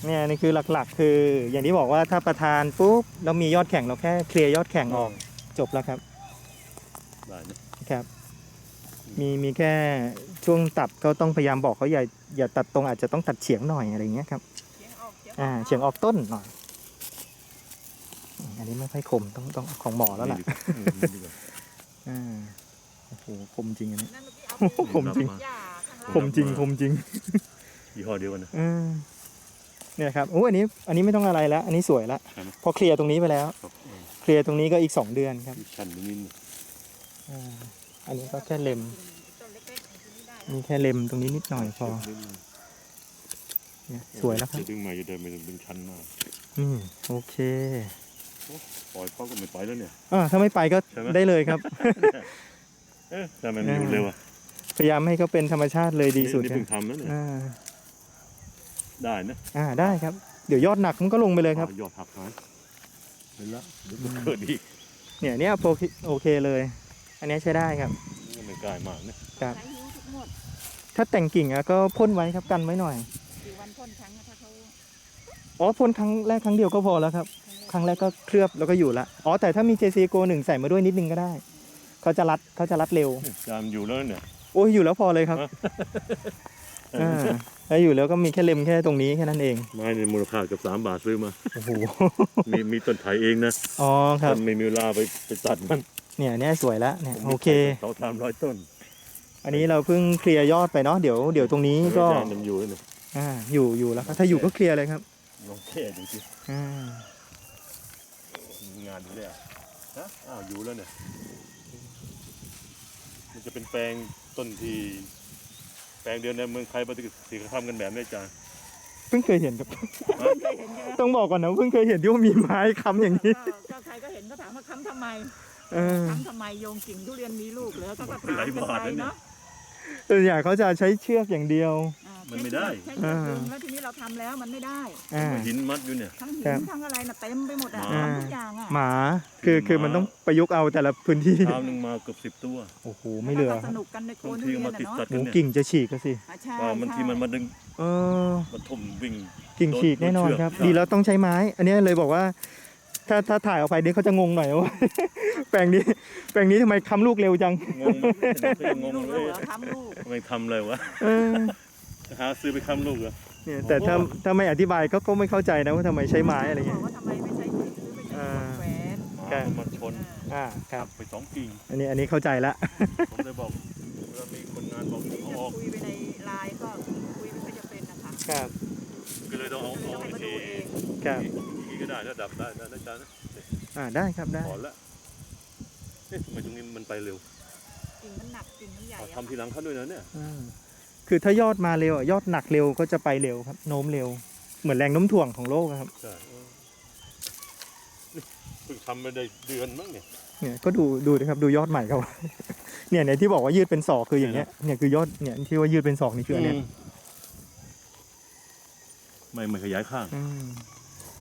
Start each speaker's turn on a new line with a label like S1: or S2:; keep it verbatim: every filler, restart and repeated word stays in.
S1: เนี่ยนี่คือหลักๆคืออย่างที่บอกว่าถ้าประธานปุ๊บแล้วมียอดแข่งเราแค่เคลียร์ยอดแข่งออกจบแล้วครับ
S2: ได้
S1: นะครับมีมีแค่ช่วงตัดก็ต้องพยายามบอกเขาอย่าอย่าตัดตรงอาจจะต้องตัดเฉียงหน่อยอะไรเงี้ยครับอ่าเฉียงออกต้นหน่อยอันนี้ไม่ค่อยคมต้องต้องของหมอแล้วล่ะอ่าโอ้โหคมจริงอันนี้คมจริงคมจริงคมจริง
S2: ยี่ห้อเดียวกันนะ
S1: เนี่ยครับโอ้อันนี้อันนี้ไม่ต้องอะไรแล้วอันนี้สวยแล้วพอเคลียร์ตรงนี้ไปแล้วเคลียร์ตรงนี้ก็อีกสองเดือนครับ
S2: ชั้นนิด
S1: อ่าอันนี้ก็แค่เล็มมีแค่เล็มตรงนี้นิดหน่อยพอเนี่ยสวยแล้วครับ
S2: ดึงมาจะเดินไปดึงชั้นมาก
S1: อืมโอเค
S2: ปล่อยเขาก็ไม่ไปแล้วเนี่ย
S1: อ่าถ้าไม่ไปก็ได้เลยครับ
S2: เอ๊ะทำไมมันอยู่เร็วอ่ะ
S1: พยายามให้เขาเป็นธรรมชาติเลยดีสุด
S2: นี่เพิ่งทำแล้วเนี่ยได้นะ
S1: อ่าได้ครับเดี๋ยวยอดหนักมันก็ลงไปเลยครับ
S2: ยอดหักหายเห็นแล้วเดี๋ยวเกิดอีก
S1: เนี่ยเนี่ยโอเคเลยอันนี้ใช้ได้ครับ
S2: ไม่กล้ามากนะครับ
S1: ถ้าแต่งกิ่งอะก็พ่นไว้ครับกันไว้หน่อย
S3: กี่วันพ่นครั้งถ้าเขา
S1: อ๋อพ่นครั้งแรกครั้งเดียวก็พอแล้วครับครั้งแรกก็เคลือบแล้วก็อยู่ละอ๋อแต่ถ้ามี เจ ซี Go หนึ่งใส่มาด้วยนิดนึงก็ได้เขาจะรัดเขาจะรัดเร็ว
S2: จามอยู่แล้วเนี่ย
S1: โอ้ยอยู่แล้วพอเลยครับอ่าแล้วอยู่แล้วก็มีแค่เล็มแค่ตรงนี้แค่นั้นเอง
S2: ไม้ในมูลค่าเกือบสามบาทซื้อมา
S1: โอ้โห
S2: มีมีต้นไผ่เองนะ
S1: อ๋อครับ
S2: ไม่มีเวลาไปไปตัดมัน
S1: เนี่ยเนี่ยสวยแล้วเนี่ยโอเค
S2: เขาทำร้อยต้น
S1: อันนี้เราเพิ่งเคลียร์ยอดไปเนาะเดี๋ยวเดี๋ยวตรงนี้ก็
S2: มันอยู่เลย
S1: อ่าอยู่อยู่แล้วครับถ้าอยู่ก็เคลียร์เลยครับ
S2: ลองแค่ดูสิ
S1: อ่
S2: างานอยู่เลยอ่ะฮะอ้าวอยู่แล้วเนี่ยมันจะเป็นแปลงต้นที่แปลงเดียวในเมืองไทยปฏิกิริยาทำกันแบบนี้จ้า
S1: เพิ่งเคยเห็นครับต้องบอกก่อนนะเพิ่งเคยเห็นที่ว่ามีไม้ค้ำอย่างนี้
S3: ก็ใครก็เห็นก็ถามว่าค้ำทำไมค้ำทำไมโยงกิ่งทุเรียนมีลูกเหรอก็ถามกันไปเนาะ
S1: ส่วนใหญ่เขาจะใช้เชือกอย่างเดียว
S2: มันไม่ได้
S3: ใช่แล้วทีนี้เราทำแล้วมันไม่ได้
S2: หินมัดอยู่เนี่ย
S3: ทั้งหินทั้งอะไรน่ะเต็มไปหมดอ่ะทุกอย่างอ่ะ
S1: หมาคือคือมันต้องประยุกต์เอาแต่ละพื้นที่
S2: เท้าหนึ่งมาเกือบสิบตัว
S1: โอ้โหไม่เหลือ
S3: สนุกกันในโคนทุ
S2: เรียนเนาะ
S1: หมูกิ่งจะฉีกก็สิ
S2: ว่ามันที่มันมาดึง
S1: เออ
S2: มันทุ่มวิ่ง
S1: กิ่งฉีกแน่นอนครับดีแล้วต้องใช้ไม้อันนี้เลยบอกว่าถ้าถ้าถ่ายออกไปนี่เขาจะงงหน่อยว่าแปลงนี้แปลงนี้ทำไมค้ำลูกเร็วจัง
S2: งงงงเลย
S3: ค้ำลูก
S2: ทำไมทำเลยวะหาซื้อไปค้ำลูกเหรอ
S1: เนี่ยแต่ถ้าถ้าไม่อธิบายก็ก็ไม่เข้าใจนะว่าทำไมใช้ไม้อะไรเงี้ย
S3: ว่าทำไมไม่ใช้หินหรือไม่ใช้แหวน
S2: มาชน
S1: อ่าครับ
S2: ไปสองกิ่ง
S1: อันนี้อันนี้เข้าใจละ
S2: ผมเลยบอกว่ามีคนงานบอกเขาออก
S3: คุยไปในไลน์ก็คุยไม่ค่อยจะเป็นนะคะ
S1: ครับ
S2: ก็เลยต้องเอาเอาวิธี
S1: ครับ
S2: วิธีก็ได้ระดับได้นะอาจารย์นะ
S1: อ่าได้ครับได้
S2: ขอละเอ๊ะทำไมตรงนี้มันไปเร็ว
S3: กิ่งมันหนักกิ่งมันใหญ่
S2: ทำทีหลังเขาด้วยนะเนี่ย
S1: คือถ้ายอดมาเร็วยอดหนักเร็วก็จะไปเร็วครับโน้มเร็วเหมือนแรงโน้มถ่วงของโลกครับ
S2: ใช่เพิ่งทำมาได้เดือนมั้งเนี่ย
S1: เนี่ยก็ดูดูนะครับดูยอดใหม่เขาเนี่ยเนี่ยที่บอกว่ายืดเป็นศอกคืออย่างเงี้ยเนี่ยคือยอดเนี่ยที่ว่ายืดเป็นศอกนี่คืออันเนี้ย
S2: ไม่ไม่ขยายข้าง